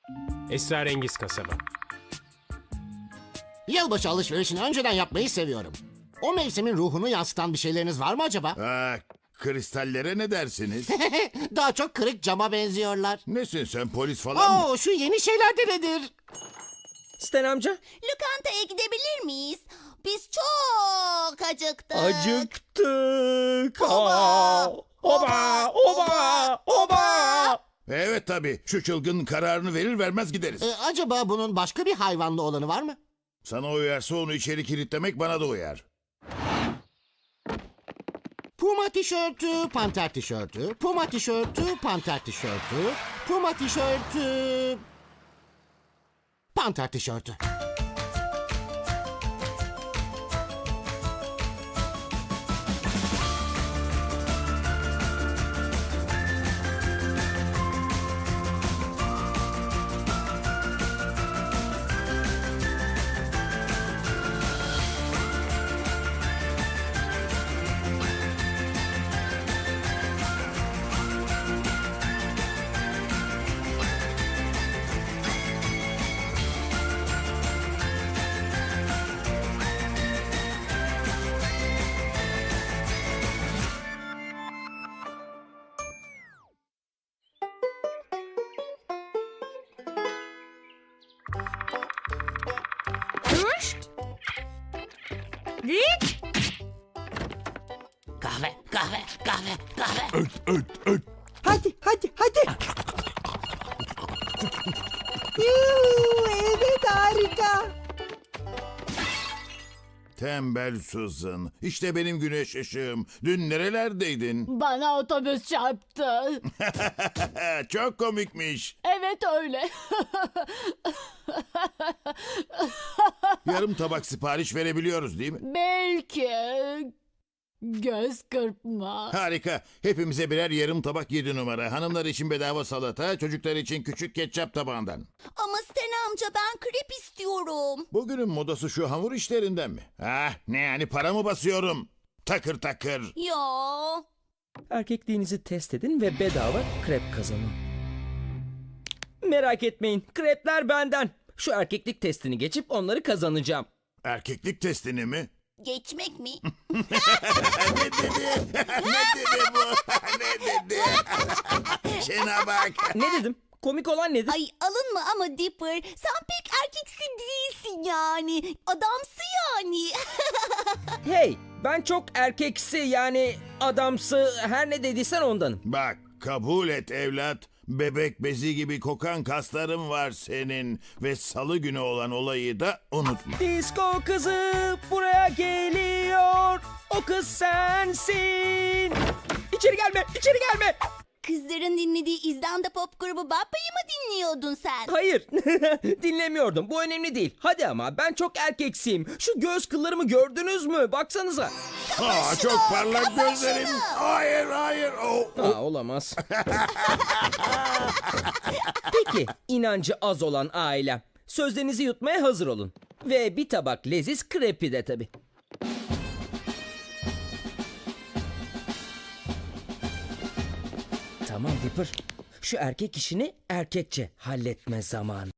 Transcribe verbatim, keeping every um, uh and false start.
Esrarengiz kasaba. Yılbaşı alışverişini önceden yapmayı seviyorum. O mevsimin ruhunu yansıtan bir şeyleriniz var mı acaba? Aa, kristallere ne dersiniz? Daha çok kırık cama benziyorlar. Nesin sen, polis falan mı? Oo, şu yeni şeyler de nedir? Sten amca. Lokantaya gidebilir miyiz? Biz çok acıktık. Acıktık. Aa, Oba, oba, oba. Evet tabii, şu çılgın kararını verir vermez gideriz. Ee, acaba bunun başka bir hayvanlı olanı var mı? Sana uyarsa onu içeri kilitlemek bana da uyar. Puma tişörtü, panter tişörtü, puma tişörtü, panter tişörtü, puma tişörtü, panter tişörtü. Kahve, kahve, kahve, kahve. Öt öt öt. Hadi, hadi, hadi. Yuu, evet harika. Tembel Susan. İşte benim güneş ışığım. Dün nerelerdeydin? Bana otobüs çarptı. Çok komikmiş. Evet öyle. Yarım tabak sipariş verebiliyoruz değil mi? Belki. Göz kırpma. Harika. Hepimize birer yarım tabak yedi numara. Hanımlar için bedava salata, çocuklar için küçük ketçap tabağından. Ama Sten amca ben krep istiyorum. Bugünün modası şu hamur işlerinden mi? Ah, ne yani, para mı basıyorum? Takır takır. Ya. Erkekliğinizi test edin ve bedava krep kazanın. Merak etmeyin, krepler benden. Şu erkeklik testini geçip onları kazanacağım. Erkeklik testini mi? Geçmek mi? ne dedi? ne dedi bu? ne dedi? Şuna bak. Ne dedim? Komik olan nedir? Ay alınma ama Dipper. Sen pek erkeksi değilsin yani. Adamsı yani. Hey, ben çok erkeksi yani adamsı her ne dediysen ondanım. Bak, kabul et evlat. Bebek bezi gibi kokan kasların var senin. Ve salı günü olan olayı da unutma. Disko kızı buraya geliyor. O kız sensin. İçeri gelme, içeri gelme. Kızların dinlediği İzlanda pop grubu Bappa'yı mı dinliyordun sen? Hayır, dinlemiyordum. Bu önemli değil. Hadi ama ben çok erkeksiyim. Şu göz kıllarımı gördünüz mü? Baksanıza. Aa, çok parlak gözlerim. Hayır, hayır. Oh, oh. Aa, olamaz. Peki, inancı az olan ailem. Sözlerinizi yutmaya hazır olun. Ve bir tabak leziz krepi de tabii. Tamam Dipper. Şu erkek işini erkekçe halletme zamanı.